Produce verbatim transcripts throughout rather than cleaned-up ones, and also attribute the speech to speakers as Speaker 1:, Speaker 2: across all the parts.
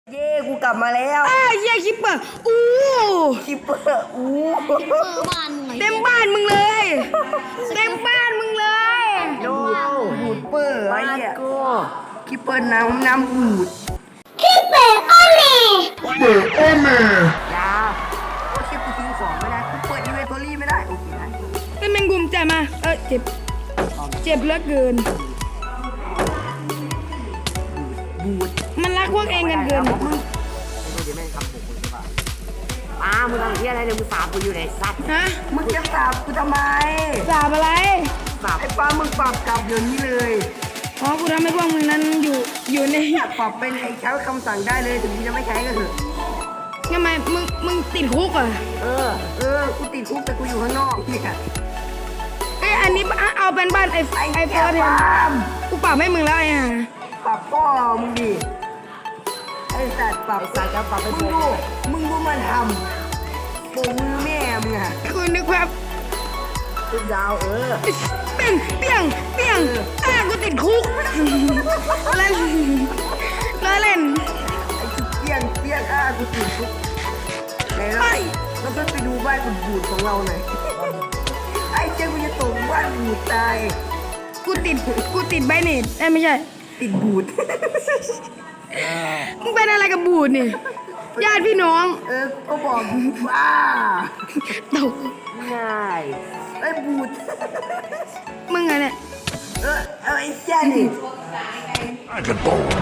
Speaker 1: เย้กูกลับมาแล้ว
Speaker 2: อ้าเย้คิปเปอร์อู้
Speaker 1: คิปเปอร์อู้
Speaker 2: เต็มบ้านมึงเลยเต็มบ้านมึงเลย
Speaker 1: โน้บูดเปอร์ไอ้เนี่ยคิปเปอร์น้ำน้ำบูด
Speaker 3: คิปเปอร์โอเล่
Speaker 1: เปิดโอเล่ยาโอเคกูทิ้งของไม่ได้กูเปิดอินเวนทอรี่ไม่ได้โอเคนะ
Speaker 2: ไอ้แมงมุมจ่ายมาเออเจ็บเจ็บเหลือเกิน
Speaker 1: บูด
Speaker 2: มันรักพวกเองกันเกิน
Speaker 1: มึงไม่รู้จะแม่งทำผมมึงหรือเปล่าอ้ามึงทำเหี้ยอะไรเนี่ยมึงสาบกูอยู่ในสัตว์
Speaker 2: ฮะ
Speaker 1: มึงจะสาบกูทำไม
Speaker 2: สาบอะไร
Speaker 1: สาบไอ้ป้ามึงปรับกลับเดี๋ยวนี้เลย
Speaker 2: อ๋อกูทำให้พวกมึงนั้นอยู่อยู่ใน
Speaker 1: ปรับเป็นไอ้ใช้คำสั่งได้เลยถึงมึงจะไม่ใช้ก็เถอะ
Speaker 2: ทำไมมึงมึงติดคุกอ่ะ
Speaker 1: เออเออกูติดคุกแต่กูอยู่ข้างนอกเนี่ย
Speaker 2: ไอ้อันนี้เอาเป็นบ้านไอ้ไอ้เฟิร์สเนี่ยกูปรับให้มึงแล้วไอ้ห่า
Speaker 1: ปรับพ่อมึงดิไอ้สัตว์ปรับสัตว์จะปรับไปมึงดูมึงดูมันทำโบมือแม่มึงอะ
Speaker 2: คุณนึกแบบ
Speaker 1: เป็นดาวเออ
Speaker 2: เปี้ยงเปี้ยงเปี้ยงอ่ะกูติดคุกเล่นเล่น
Speaker 1: ไอ้ชุดเปี้ยงเปี้ยงอ่ะกูติดคุกไหนเราเราต้องไปดูบ้านบูดของเราหน่อยไอ้เจ้ากูจะตกบ้านบูดตาย
Speaker 2: กูติดกูติดใบเน็ตเอ้ไม่ใช่
Speaker 1: ติดบูด
Speaker 2: มึงเป็นอะไรกับบูดนี่ญาติพี่น้อง
Speaker 1: เออก็บอกว่า
Speaker 2: ตก
Speaker 1: ง่ายไอ้บูด
Speaker 2: มึงไงเนี่ย
Speaker 1: เออเอาไอ้แค่นี่ไอ้กระโดด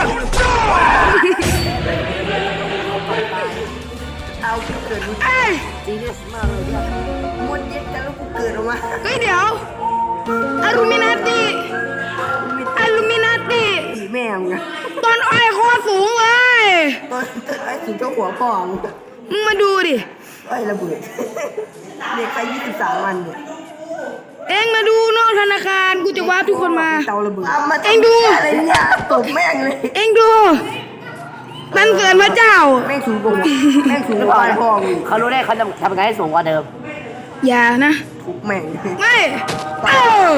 Speaker 1: เอากูเกิดจีเนสมากเลยเนี่ยมดเย็ดกันแล้วกูเกิดออกมา
Speaker 2: เฮ้ยเดี๋ยวอารูมินาติอารูมินาติ
Speaker 1: ตีแม่งไง
Speaker 2: ต้นอ้อยโคตรสูงเลย
Speaker 1: ต้นไอ้สูงเท่าหัวพ่อมึง
Speaker 2: มึงมาดูดิ
Speaker 1: ไอ้ระเบิดเด็กไปยี่สิบสามวันเนี่ย
Speaker 2: เอ็งมาดูนอกธนาคารกูจะวาร์ปทุกคนมา
Speaker 1: เตาระเบิด
Speaker 2: เอ็งดู
Speaker 1: อะไรเนี่ยตบแม่งเลย
Speaker 2: เอ็งดูมันเกิดพระเจ้า
Speaker 1: แม่งสูงกว่าแม่งสูงกว่าพ่อมึง
Speaker 4: เขารู้ได้เขาจะทำยังไงให้สูงกว่าเดิม
Speaker 2: อย่านะ
Speaker 1: ทุกแม่ง
Speaker 2: ไม่เออ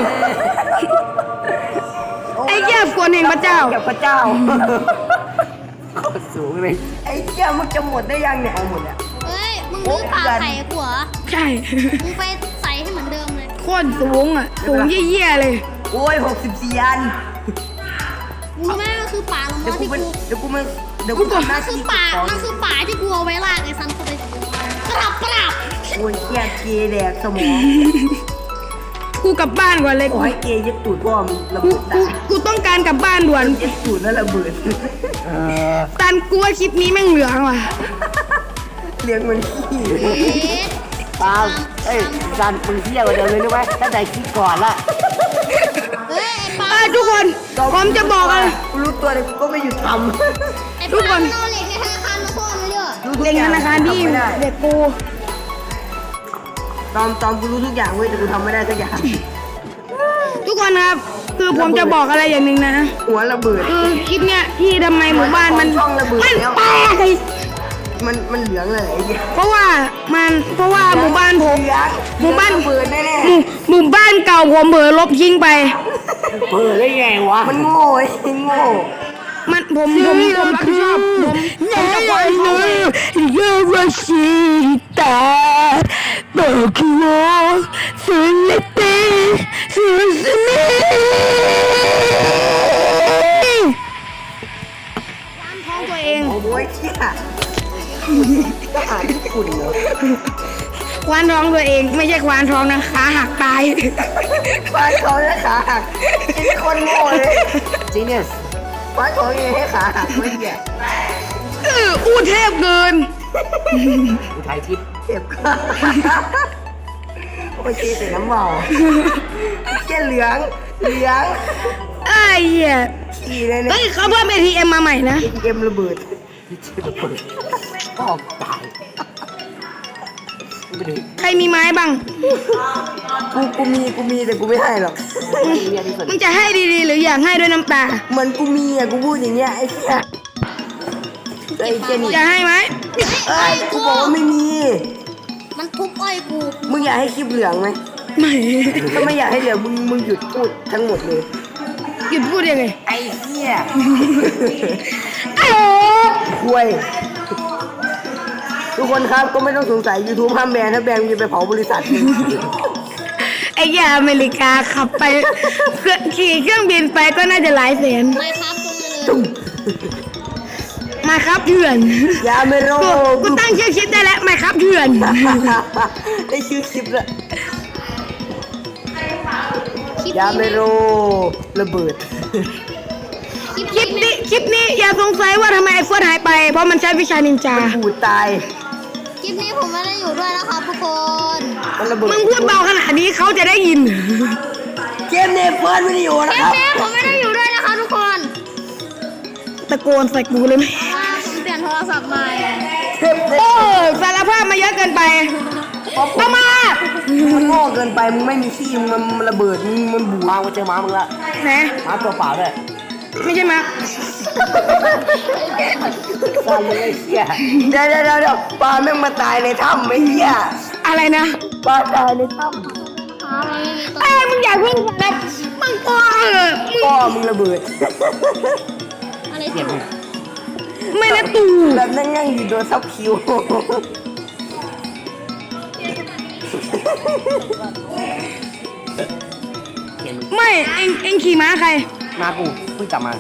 Speaker 2: ไอ้แก่กวนแห่งพระเจ้า
Speaker 1: แก่พระเจ้า
Speaker 4: โคตรสูงเลย
Speaker 1: ไอ้แก่มึงจะหมดได้ยังเนี่ยเอาหมดอ่ะ
Speaker 3: เฮ้ยมึงรู้ป่าไข่กูเหรอ
Speaker 2: ใช่
Speaker 3: มึงไปใส่ให้เหมือนเดิมเลย
Speaker 2: โคตรสูงอ่ะสูงเยี่ยๆเลย
Speaker 1: โอ้ยหกสิบสี่อัน
Speaker 3: มึงรู้ไหมมันคือป่าลงมาที่กู
Speaker 1: เดี๋ยวกูมัน
Speaker 3: เดี๋ยวกูมันคือป่ามันคือป่าที่กูเอาไว้ลากไอ้ซันเข้าไปปรับปรับ
Speaker 1: โอ้ยแก่เกย์แดกสมอง
Speaker 2: กูกลับบ้านก่อนเลย
Speaker 1: โอ้ยเกย์ยึดตูดพ่อมึงระเบิดตา
Speaker 2: กูต้องการกลับบ้านด่วน
Speaker 1: ยึดตูดแล้วระเบิด
Speaker 2: ตันกูว่าคลิปนี้แม่งเหลืองว่ะ
Speaker 1: เลี้ยงมันขี้
Speaker 4: ปาเอ้ยซันมึงเที่ยวกันเดิมเลยรู้ไหมตั้งแต่คลิปก่อนละ
Speaker 3: เฮ้ยปา
Speaker 2: ทุกคนผมจะบอกอะไร
Speaker 1: รู้ตัวเลยก็ไม่หยุดท
Speaker 3: ำทุกคนเอาเหล็กในธนาคารมาซ่อนไว้ด้วย
Speaker 2: เหล็กธนาคารที่เด็กกู
Speaker 1: ตอมตอมกูรู้ทุกอย่างเว้ยแต่กูทำไม่ได้สักอย่าง
Speaker 2: ทุกคนครับคือผมจะบอกอะไรอย่างหนึ่งนะ
Speaker 1: หัวระเบิด
Speaker 2: คือคลิปเนี้ยที่ทำไมหมู่บ้านมันมันแตก
Speaker 1: มันมันเหลืองเลย
Speaker 2: เพราะว่ามันเพราะว่าหมู่บ้านผมหมู่บ้าน
Speaker 1: เปิดแน่
Speaker 2: ๆหมู่บ้านเก่าผมเผลอลบทิ้งไป
Speaker 4: เปิดได้ไงวะ
Speaker 1: มันโง่ไอ้โง่
Speaker 2: มันผมผมผมรับผิดชอบผมผมจะปล่อยเขาไป
Speaker 4: เยาวชนตาบอกว่าสุนัขสุนัข
Speaker 2: วางท้องตัวเอง
Speaker 1: โอ้ยเชี่ยทหารญี่ปุ่นเหรอ
Speaker 2: ควานท้องตัวเองไม่ใช่ควานท้องนะขาหักตาย
Speaker 1: ควานท้องและขาหักเป็นคนโง่เลย
Speaker 4: จีเนียส
Speaker 1: ควานท้องเองให้ขาหักไม่เหี้ย
Speaker 2: เอออู้เทพเกิน
Speaker 4: อุทัยทิพย์
Speaker 1: เทพโอ้ยเจ๊ใส่น้ำเมาเจ๊เหลืองเหลือง
Speaker 2: ไอ้เหี้ย
Speaker 1: ขี่เลยเนี่ย
Speaker 2: เฮ้ยเขาเพิ่ม เอ ที เอ็ม มาใหม่นะ
Speaker 1: เอ ที เอ็ม ระเบิด
Speaker 4: ออกตาย
Speaker 2: ใครมีไม้บ้าง
Speaker 1: กูกูมีกูมีแต่กูไม่ให้หรอก
Speaker 2: มึงจะให้ดีๆหรืออยากให้ด้วยน้ำตา
Speaker 1: เหมือนกูมีอ่ะกูพูดอย่างเงี้ยไอ้เหี้ยไอ้เจนี่
Speaker 2: จะให้ไหม
Speaker 1: เอ้ยกูบอกว่าไม่มี
Speaker 3: มันทุบอ้อยกู
Speaker 1: มึงอยากให้คลิปเหลืองไหม
Speaker 2: ไม่
Speaker 1: ถ้าไม่อยากให้เหลืองมึงมึงหยุดพูดทั้งหมดเลย
Speaker 2: หยุดพูดยังไง
Speaker 1: ไอ้เหี้ย
Speaker 2: ไอ้โ
Speaker 1: คุยทุกคนครับก็ไม่ต้องสงสัย YouTube ห้ามแบนถ้าแบนมึงจะไปเผาบริษัท
Speaker 2: ไอ้ยาอเมริกาขับไปเครื่องขี่เครื่องบินไปก็น่าจะหลายแสน
Speaker 3: ไม่ครับตรงนี้เลย
Speaker 2: มาครับเถื่อน
Speaker 1: ยาเมโร
Speaker 2: กูกูตั้งชื่อคลิปได้แล้วมาครับเถื่อน
Speaker 1: ได้ชื่อคลิปละ
Speaker 3: คลิป
Speaker 1: ยาเม
Speaker 3: นี้
Speaker 1: โรระเบิด
Speaker 3: คลิป
Speaker 2: คลิปนี้คลิปนี้อย่าสงสัยว่าทำไมไอ้เฟิร์สหายไปเพราะมันใช้วิชานินจา
Speaker 1: บูดตาย
Speaker 3: คลิปนี้ผมไม่ได้อยู่ด้วยนะครับทุกคน
Speaker 1: มันระเบิด
Speaker 2: มึงพูดเบาขนาดนี้เขาจะได้ยิน
Speaker 1: เกมเนฟเฟิร์สไม่ได้อยู่นะ
Speaker 3: คลิ
Speaker 1: ค
Speaker 3: ป
Speaker 1: รับ
Speaker 3: นี้ผมไม่ได้อยู่ด้วยนะคะทุกคน
Speaker 2: ตะโกนใส่กูเลยไหม
Speaker 3: ว่าผมเปลี่ยนโทรศัพท์ใหม่
Speaker 1: เทปเน
Speaker 2: โอ้สารภาพมาเยอะเกินไปเอามา
Speaker 1: มันโง่เกินไปมึงไม่มีขี้มึงมันระเบิดมึงมันบูดมาเจอหมามึงละ
Speaker 2: ไหน
Speaker 1: หมาตัวเปล่าด้วย
Speaker 2: ไม่ใช่มา
Speaker 1: ตายเลยไอ้เหี้ยเดี๋ยวเดี๋ยวเดี๋ยวปลาแม่งมาตายในถ้ำไอ้เหี้ย
Speaker 2: อะไรนะ
Speaker 1: ปลาตายในถ้
Speaker 3: อ๋อไม่มีตัว
Speaker 2: ไอ้ยมึงอยากเพิ่งแบบมึงกลัวเหรอมึง
Speaker 1: ำพ่อมึงระเบิด
Speaker 3: อะไรจุด
Speaker 2: ไม่นะตู
Speaker 1: แบบนั่งนั่งอยู่โดนซับคิว
Speaker 2: ไม่เอ็งเอ็งขี่ม้าใคร
Speaker 1: มากูเพิ่งกลับมา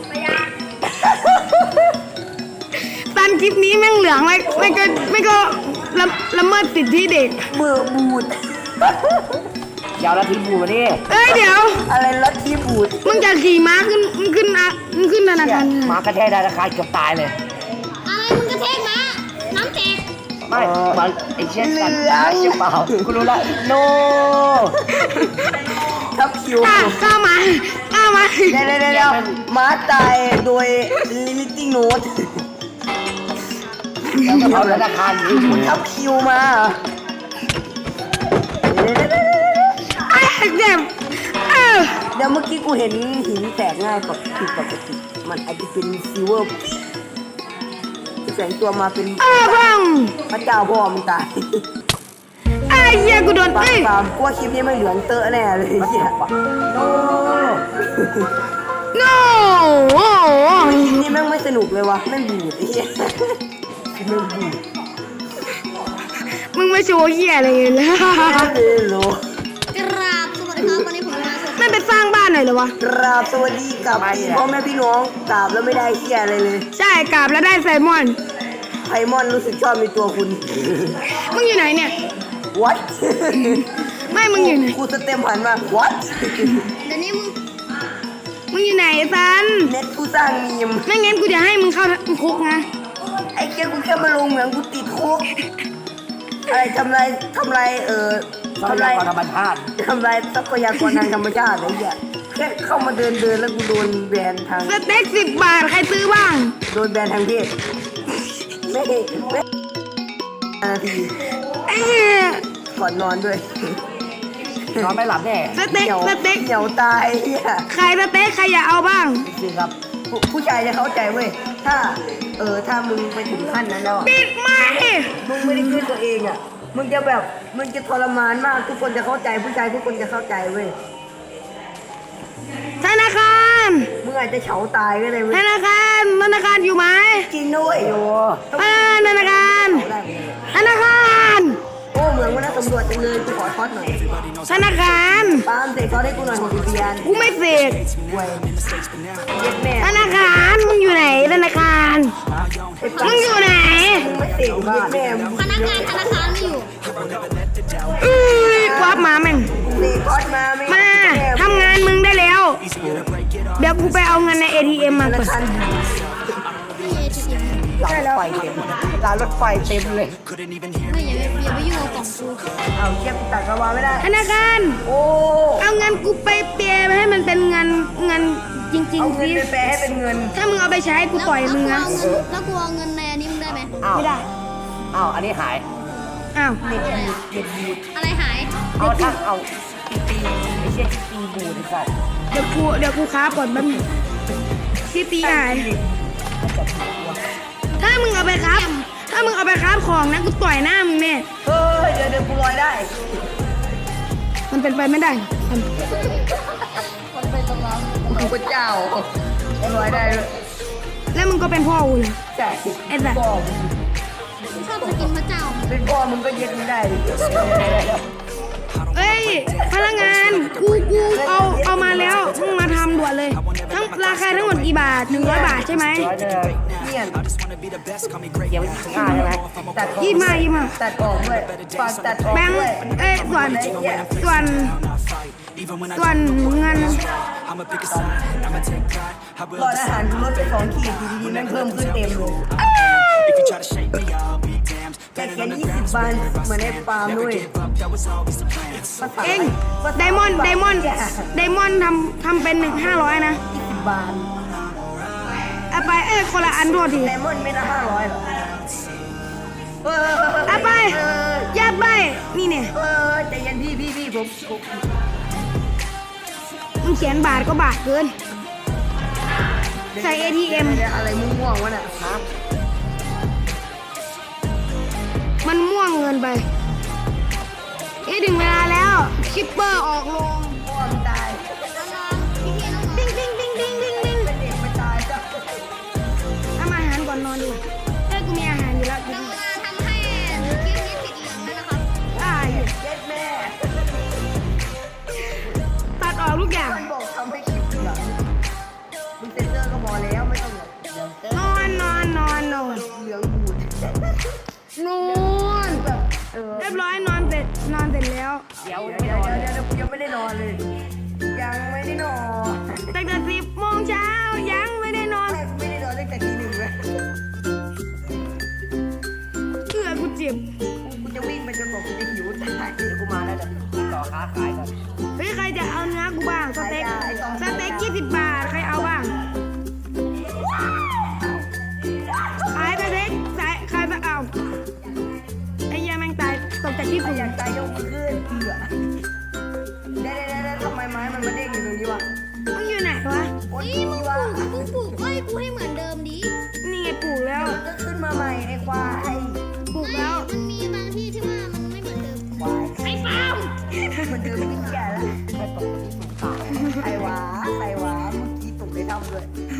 Speaker 2: ตันคลิปนี้แม่งเหลืองไม่ไม่ก็ไม่ก็ละละเมิดสิทธิเด็ก
Speaker 1: เบื่อบูดยาวละทีบูดมาดิ
Speaker 2: เอ้ยเดี๋ยว
Speaker 1: อะไรละทีบูด
Speaker 2: มึงจะขี่ม้าขึ้นมึงขึ้นอะมึงขึ้นธนาคาร
Speaker 1: มากระแทกธนาคารเกือบตายเลย
Speaker 3: อะไรมึงกระเทกมาน้ำแตก
Speaker 1: ไม่มันไอ้เช่นกันไอ้เชี่ยเปล่ากูรู้ละโนทับคิว
Speaker 2: อ่ะเข้ามาเข้ามา
Speaker 1: เดี๋ยวเดี๋ยวเดี๋ยวม้าตายโดยลิมิติ้งโน้ตแล้วก็เอาธนาคารมึงทับคิวมาเดี๋ยวเดี๋ยวเดี๋ยว
Speaker 2: ไอ้เจ็บเออ
Speaker 1: เดี๋ยวเมื่อกี้กูเห็นหินแตกง่ายกว่าผิดปกติ มันอาจจะเป็นซิลเวอร์แสงตัวมาเป็น
Speaker 2: เออพัง
Speaker 1: พระเจ้าพ่อมึงตาย
Speaker 2: ไอ้เหี้ยกูโดน
Speaker 1: ปาก
Speaker 2: เอ้ย
Speaker 1: ปามกลัวคลิปนี้ไม่เหลืองเตอะแน่เลยไอ้เหี้ยโอ้
Speaker 2: โน่โอ้โห
Speaker 1: คลิปนี้แม่งไม่สนุกเลยวะแม่งบูดไอ้เหี้ยคลิปแม่งบูด
Speaker 2: มึงไม่โชว์เหี้ยอะไรเลย
Speaker 1: เฮ้ยโหล
Speaker 3: กราบสวัสดีครับวันนี้ผมมาสด
Speaker 2: ไม่ไปสร้างบ้านหน่อยเหรอวะ
Speaker 1: กราบสวัสดีกับพ่อแม่พี่น้องกราบแล้วไม่ได้เหี้ยอะไรเลย
Speaker 2: ใช่กราบแล้วได้ไซมอน
Speaker 1: ไพมอนรู้สึกชอบในตัวคุณ
Speaker 2: มึงอยู่ไหนเนี่ย
Speaker 1: what
Speaker 2: ไม่มึงอยู่ไหน
Speaker 1: กูสเต็มหันมา what
Speaker 3: เดี๋ยวนี้มึง
Speaker 2: มึงอยู่ไหนซัน
Speaker 1: เน็ตกูสร้างมีม
Speaker 2: ไม่งั้นกูจะให้มึงเข้าคุกนะ
Speaker 1: ไอ้เจ้ากูแค่มาลงเหมืองกูติดคุกอะไรทำลายทำลายเอ่อทำลายธรรมชาติทำลายทรัพยากรทางธรรมชาติอะไรอย่างเงี้ยแค่เข้ามาเดินเดินแล้วกูโดนแบนทาง
Speaker 2: สเต็กสิบบาทใครซื้อบ้าง
Speaker 1: โดนแบนทางเพศไม่ไม่นาที
Speaker 2: ไอ้เหี้ย
Speaker 1: ก่อนนอนด้วยนอนไม่หลับแน่
Speaker 2: สเต็ก
Speaker 1: หนียว
Speaker 2: สเต็ก
Speaker 1: เหนียวตายเฮีย
Speaker 2: ใครสเต็กใครอยากเอาบ้าง
Speaker 1: จริงครับผู้ผู้ชายจะเข้าใจเว้ยถ้าเออถ้ามึงไปถึงขั้นนั้นแล้วอะ
Speaker 2: ปิดไม้
Speaker 1: มึงไม่ได้ขึ้นตัวเองอ่ะมึงจะแบบมึงจะทรมานมากทุกคนจะเข้าใจผู้ชายทุกคนจะเข้าใจเว้ย
Speaker 2: ธนาคาร
Speaker 1: มึงอาจจะเฉาตายก็ได้เว้
Speaker 2: ธ
Speaker 1: ย
Speaker 2: นาคารธนาคารอยู่ไหม
Speaker 1: จริงด้วยโอ้
Speaker 2: อ่าธนาคาร
Speaker 1: เฉาได้เลย
Speaker 2: ธนาคาร
Speaker 1: โอ้เหมือนว่าน่าสำรวจจังเลยกูขอทอดหน่อย
Speaker 2: ธนาคาร
Speaker 1: ปาล์มเสกทอดให้กูหน่อยหกสิบเยน
Speaker 2: กูไม่เสก
Speaker 1: เว้ยเย็ดแม่
Speaker 2: ธนาคารมึงอยู่ไหนธนาคารมึงอยู่ไหน
Speaker 1: มึงไม่เสกเย็ดแม่มึง
Speaker 3: พนักงานธนาคารไม่อยู่
Speaker 2: อุ้ยควับมาแม่ง
Speaker 1: เสกทอดมาไม่
Speaker 2: มาทำงานมึงได้แล้ว เดี๋ยวกูไปเอาเงินใน เอ ที เอ็ม มา
Speaker 1: ธ
Speaker 2: ก่
Speaker 1: นา
Speaker 2: อน
Speaker 1: คาร
Speaker 3: พี่เอทีเอ็ม
Speaker 1: รางรถไฟเต็มรางรถไฟเต็มเลย
Speaker 3: ไม่อย่าไปอย่าไปยุ่งกับกล่องกู
Speaker 1: เอาเทียบตัดกระวาไม่ได้
Speaker 2: ธนาคาร
Speaker 1: โอ้
Speaker 2: เอาเงินกูไปเปลี่ยนให้มันเป็นเงินเงินจริง
Speaker 1: เอา
Speaker 2: ๆ
Speaker 1: เงิน
Speaker 2: สิ
Speaker 1: ไปแปลให้เป็นเงิน
Speaker 2: ถ้ามึงเอาไปใช้กูต่อยมึงนะ
Speaker 3: แล้วกูเอาเงินในอันนี้มึงได้ไหม
Speaker 1: อ้าว
Speaker 2: ไม่ได้
Speaker 1: อ้าวอันนี้หาย
Speaker 2: อ้าว
Speaker 1: เน็ตบูดเน็ตบูด
Speaker 3: อะไรหาย
Speaker 1: เอาถ้าเอาตีไอ้เชี่ยตีบูดไอ้สัส
Speaker 2: เดี๋ยวกูเดี๋ยวกูค้าก่อนแป๊บนึงที่ตีหาย ถ้ามึงเอาไปครับ ถ้ามึงเอาไปครับของนะกูต่อยหน้ามึงแน่
Speaker 1: เฮ้ยเดี๋ยวเดี๋ยวกูลอยได้
Speaker 2: มันเป็นไปไม่ได้
Speaker 3: มันไปตรงนั้น
Speaker 1: พระเจ้าไม่ลอยได้เลย
Speaker 2: แล้วมึงก็เป็นพ่อกูเลย
Speaker 1: ใช่
Speaker 2: ไอ้สัส
Speaker 1: พ่อ
Speaker 3: กูชอบสกินพระเจ้า
Speaker 1: เป็นพ่อมึงก็เย็ดไม่ได้เลย
Speaker 2: เอ้ยพนักงานกูกูเอาเอามาแล้วมึงมาทำด่วนเลยทั้งราคาทั้งหมดกี่บาทหนึ่งร้อยบาทใช่ไหม
Speaker 1: ร้อยเลยเนี่ยเดี๋ยวถึงอ่าใช่ไหมตัดออก
Speaker 2: ยี่สิบห้ายี่สิบห้า
Speaker 1: ตัดออกด้วยฝากตัดออก
Speaker 2: แบงค์
Speaker 1: ด้วย
Speaker 2: เอ้ยส่วนส่วนส่วนเงิน
Speaker 1: หลอดอาหารลดไปสองขีดทีนี้แม่งเพิ่มขึ้นเต็มเลยแต่แค่ยี่สิบบาทเหมือนในฟาร์มด้วย
Speaker 2: เองไดมอนด์ไดมอนด์ไดมอนด์ทำทำเป็นหนึ่งห้าร้อยนะ
Speaker 1: ยี่สิบบาท
Speaker 2: เอาไปเอ้ยคนละอันโทษที
Speaker 1: ไดมอนด์ไม่ละห้าร้อยหรอเออ
Speaker 2: เอาไป
Speaker 1: เออ
Speaker 2: ยัดไปนี่เนี่ย
Speaker 1: เออใจเย็นพี่พี่พี่ผมผม
Speaker 2: มึงเขียนบาทก็บาทเกิน ใส่ เอ ที เอ็ม
Speaker 1: อะไรม่วงๆวะน่ะครับ
Speaker 2: มันม่วงเงินไปเอ้ยถึงเวลาแล้วคิปเปอร์ออกลง
Speaker 1: พ่อมตาย
Speaker 2: ดิ้งดิ้งดิ้งดิ้งดิ้งดิ้ง
Speaker 1: เป็นเด็กไม่ตายจ้ะ
Speaker 2: ทำอาหารก่อนนอนดิเอ้ยกูมีอาหารอยู่แล้วกิน
Speaker 3: ทำให้คลิปนี้ติดเหลืองแล้วนะครับ
Speaker 2: ได้
Speaker 1: เย็ดแม่
Speaker 2: ตัดออกทุกอย่าง
Speaker 1: มันบอกทำให้คลิปเหลืองมึงเซ็นเซอร์ก็พอแล้วไม่ต้องแบบเหลืองเต็ม
Speaker 2: นอนนอนนอนนอน
Speaker 1: เหลืองบูด
Speaker 2: นอน
Speaker 1: แบบเออ
Speaker 2: เรียบร้อยนอนเสร็จนอนเสร็จแล้ว
Speaker 1: เดี๋ยวเดี๋ยวเดี๋ยวเดี๋ยวยังไม่ได้นอนเลย ยังไม่ได้นอน
Speaker 2: ตั้งแต่สิบโมงเช้ายังไม่ได้นอน
Speaker 1: ไม่ไม่ได้นอนตั้งแต่ทีหนึ่งเลย
Speaker 2: เพื่อกูเจ็บ
Speaker 1: กูจะวิ่งไปจนกว่ากูจะหิวตายเดี๋ยวกูมาแล้วเดี๋ยวต่อค้าขายก่อน
Speaker 2: เฮ้ยใครจะเอาเนื้อกูบ้างสเต็ก
Speaker 1: ไอ้สอง
Speaker 2: สเต็กยี่สิบบาทใครเอาบ้างไอ้สเต็กใส่ใครจะเอาไอ้เหี้ยแม่งตายตกจากที่สูง
Speaker 1: อยากตายยกมือขึ้นเผื่อเดี๋ยวเดี๋ยวเดี๋ยวทำไมไม้มันมาเด้งอยู่ตรงนี้วะ
Speaker 2: มึงอยู่ไหนวะ
Speaker 1: โอ๊ย
Speaker 3: นี่มึง
Speaker 1: วะ
Speaker 3: ปลูกมึงปลูกอ้อยกูให้เหมือนเดิมดิ
Speaker 2: นี่ไงปลูกแล้ว
Speaker 1: ก็ขึ้นมาใหม่ไอ้ควาย
Speaker 2: ปลูกแล้ว
Speaker 3: มันมีบางที่ที่ว่ามันไม่เหมือนเดิม
Speaker 1: ควาย
Speaker 3: ไอ้ปาล์ม
Speaker 1: มันเดินไม่แก่แล้วใครตกที่สูงตายใครวะใครวะเมื่อกี้ตกในถ้ำด้วย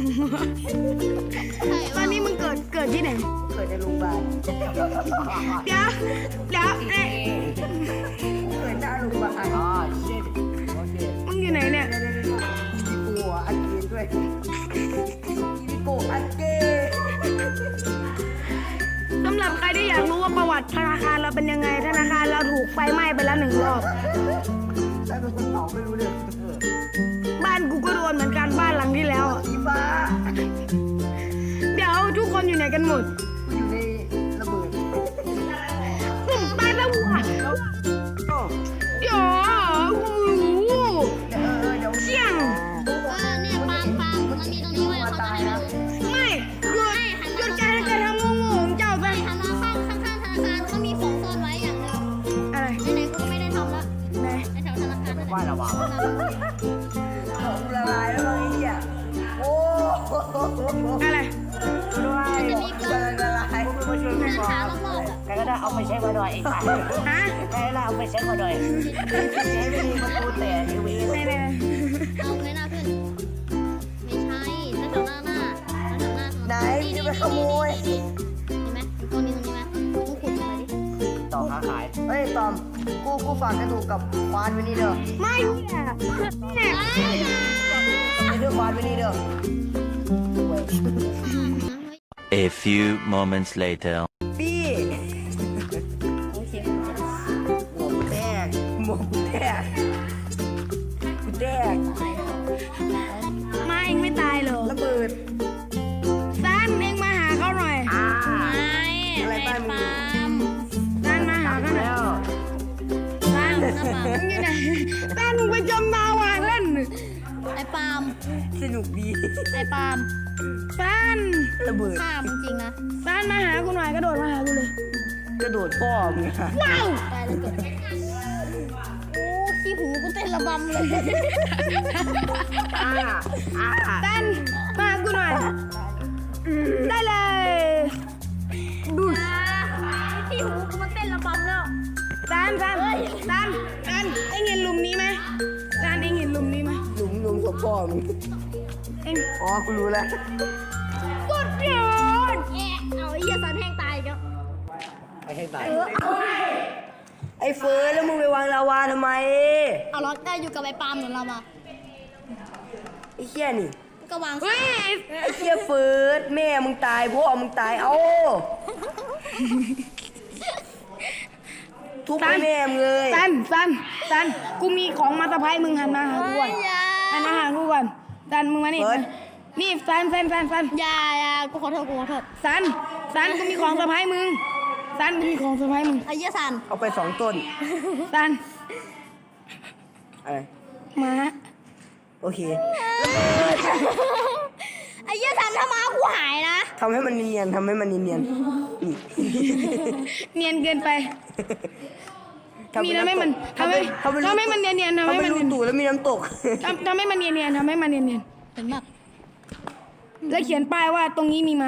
Speaker 2: ตอนนี้มึงเกิดเกิดที่ไหน
Speaker 1: เกิดในโรงพยาบาล
Speaker 2: เดี๋ยวเดี๋ยวเอ๊ะ
Speaker 1: เกิดหน้าโรงพยาบาลอ๋อเช่โอเค
Speaker 2: มึงอยู่ไหนเนี่ย
Speaker 1: อีโก้อันเกนด้วยอีโก้อันเกน
Speaker 2: สำหรับใครที่อยากรู้ว่าประวัติธนาคารเราเป็นยังไงธนาคารเราถูกไฟไหม้ไปแล้วหนึ่งรอบ
Speaker 1: ใครเป็นคนเผาไม่รู้เรื่อง
Speaker 2: บ้านกูก็โดนเหมือนกันบ้านหลังที่แล้วอะ
Speaker 1: อีฟ้า
Speaker 2: เดี๋ยวทุกคนอยู่ไหนกันหมด
Speaker 1: อยู่ในระเบิด
Speaker 2: ผมตายแล้วว่ะ
Speaker 1: โอ้
Speaker 2: เดี๋ยวโอ้โห
Speaker 1: เดี๋ยวเออเดี๋ยว
Speaker 2: เสี่ยง
Speaker 3: เออเนี่ยปาล์มปาล์มมันมีตรงนี้ไว้เขาจะให้ดู
Speaker 2: ไม่หยุดหยุดการกระทำโง่ๆของเจ้าไป
Speaker 3: หันมาข้างข้างข้างธนาคารเขามีของซ่อนไว้อย่างหนึ่ง
Speaker 2: อะไร
Speaker 3: ไหนๆกูก็ไม่ได้ทำละ
Speaker 2: ไหน
Speaker 3: ในแถวธนาคารนั่นแหละ
Speaker 1: ว่าระวังของละลายแล้วไอ้เหี้ยโอ้โห
Speaker 2: อะไร
Speaker 1: ด้วยละลายกูมาช่วย
Speaker 3: เดิ
Speaker 1: ไม่
Speaker 3: น
Speaker 1: พอ
Speaker 3: หารอบๆอ่ะ
Speaker 1: ใครก็ได้เอาไปใช้มาหน่อยไอ้สัตว์
Speaker 2: ฮะ
Speaker 1: ใครก็ได้เอาไปใช้มาหน่อยใช้ไม่ดีมันกูแต่ทีวี
Speaker 2: ไหนไหน
Speaker 3: เอาไงหน้าเพื่อนไม่ใช่แถวหน้าหน้าแถวหน้า
Speaker 1: ไหนจะไปขโมย
Speaker 3: เห็นไหมตรงนี้ตรงนี้ไหมมึงขุดมาดิ
Speaker 1: ต่อค้าขายเฮ้ยตอมกูกูฝากกระดูกกับควานไว้นี่เด้อ
Speaker 2: ไม่เนี่ยเนี่ย
Speaker 1: ไปเด้อควานไว้นี่เด้อ
Speaker 5: A few moments later.
Speaker 1: พี่หมวกแตกหมวกแตกกูแตก
Speaker 2: มาเองไม่ตายเหรอ
Speaker 1: ระเบิด
Speaker 2: ซันเองมาหาเขาหน่อย
Speaker 1: อ่า
Speaker 3: ไม่
Speaker 1: อะไรบ้านมึง
Speaker 3: ปาล์ม
Speaker 2: ซันมาหาเขาหน่อย
Speaker 1: แล้ว
Speaker 2: ซันมึงอยู่ไหนซันมึงไปจมดาวอ่ะเล่น
Speaker 3: ไอ้ปาล์ม
Speaker 1: สนุกดี
Speaker 3: ไอ้ปาล์ม
Speaker 2: ซัน
Speaker 1: ระเบิด
Speaker 3: ฆ่ามึงจริงนะ
Speaker 2: ซันมาหากูหน่อยกระโดดมาหากูเลย
Speaker 1: กระโดดพ่อมึงอะ
Speaker 2: ว้าว
Speaker 3: ตายแล้วเกิดโอ้ขี้หูกูเต้นระบำเลย
Speaker 1: อ่าอ่า
Speaker 2: ซันมาหากูหน่อย ได้เลย ดูด
Speaker 3: ขี้หูกูมันเต้นระบำแล้ว
Speaker 2: ซันซันซันซันเอ็งเห็นหลุมนี้ไหมซันเอ็งเห็นหลุมนี้ไหม
Speaker 1: หลุมหลุมศพพ่อมึง
Speaker 2: เอ็ง
Speaker 1: อ๋อกูรู้แล้ว
Speaker 2: กด
Speaker 1: ให้ตายไอ้เฟิร์สแล้วมึงไปวางลาวาทำไม
Speaker 3: เอาล็อกได้อยู่กับไอ้ปาล์มเหมือนเรามา
Speaker 1: ไอ้เหี้ยนี่
Speaker 3: ก็วาง
Speaker 2: เฮ้ย
Speaker 1: ไอ้เหี้ยเฟิร์สแม่มึงตายพ่อมึงตายเอ้าทุบไปแม่มึงเลย
Speaker 2: ซันซันซันกูมีของมาสะพายมึงหันมาหากูก่อน
Speaker 3: อย่า
Speaker 2: หันมาหากูก่อนซันมึงมานี่นี่ซันซันซันซัน
Speaker 3: อย่าอย่ากูขอโทษกูขอโทษ
Speaker 2: ซันซันกูมีของสะพายมึงซันกูมีของสะพายมึง
Speaker 3: ไอ้เหี้ยสัน
Speaker 1: เอาไปสองต้น
Speaker 2: ซัน
Speaker 1: อะไร
Speaker 2: มา
Speaker 1: โอเค
Speaker 3: ไอ้เหี้ยสันถ้ามากูหายนะ
Speaker 1: ทำให้มันเนียนๆทำให้มันเนียนๆนี่
Speaker 2: เนียนเกินไป มีแล้วไม่มัน
Speaker 1: ทำให้
Speaker 2: ทำให้ทำให้มันเนียนๆทำให้
Speaker 1: ทำให้
Speaker 2: มัน
Speaker 1: รู
Speaker 2: เนียน
Speaker 1: ตูดแล้วมีน้ำตก
Speaker 2: ทำทำให้มันเนียนๆทำให้มันเนียน
Speaker 3: เห็นแบบ
Speaker 2: ๆแล้วเขียนป้ายว่าตรงนี้มีม้า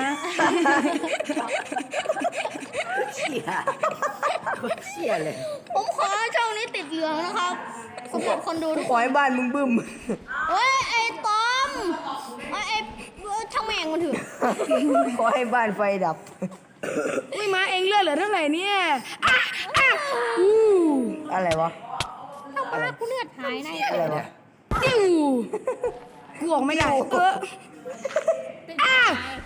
Speaker 1: เชี่ยเชี่ยเลย
Speaker 3: ผมขอช่องนี้ติดเหลืองนะครับสำหรับคนดูทุก
Speaker 1: ข
Speaker 3: ค
Speaker 1: อน ให้บ้านมึงบึ้ม
Speaker 3: เฮ้ยไอ้ตอมไอ้ไอ้ช่างแม่งมันเถือะ
Speaker 1: ขอให้บ้านไฟดับ
Speaker 2: อุ้ยม้าเองเลือดเหลือเท่าไหร่เนี่ยอ่ะอ่ะอู้
Speaker 1: อะไรวะ
Speaker 3: ถ้ามากูเลือดหายใน
Speaker 1: อะไรวะ
Speaker 2: ติ้วกูออกไม่ได้เอออ่ะ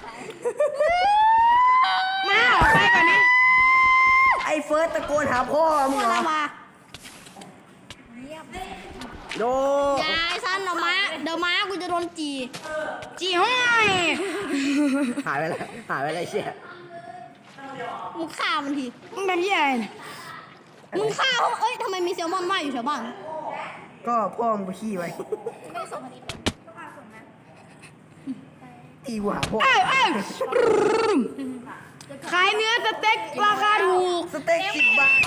Speaker 2: มาออกไปก่อนนะ
Speaker 1: ไอ้เฟิร์สตะโกนหาพ่อมึงเหรอ
Speaker 3: มา
Speaker 1: โด
Speaker 3: ยายสั้นเดี๋ยวม้าเดี๋ยวม้ากูจะโดนจี
Speaker 2: จีห้อย
Speaker 1: หายไปแล้วหายไปแล้วเชี่ย
Speaker 3: มึงฆ่ามันที
Speaker 2: มึงทำยี่อะไรเนี่ย
Speaker 3: มึงฆ่าเขาเอ้ยทำไมมีแซลมอนว่ายอยู่แถวบ้าน
Speaker 1: ก็พ่อมึงไปขี้ไว้ตีกูหาพ่อ
Speaker 2: เอ้ยเอ้ยขายเนื้อสเต็กราคาถูก
Speaker 1: สเต็กสิบบาท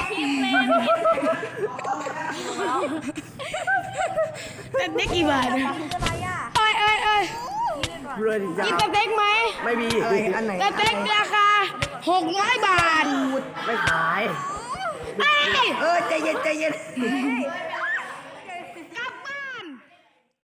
Speaker 2: สเต็กกี่บาทเนี่ยเอ้ยเอ้ยเอ้ย
Speaker 1: เรือดิจ้า
Speaker 2: กินสเต็กไหม
Speaker 1: ไม่มีอะไรอันไหน
Speaker 2: สเต็กราคาหกร้อยบาท
Speaker 1: ไม่ขาย
Speaker 2: เอ้ย
Speaker 1: เออใจเย็นใจเย็น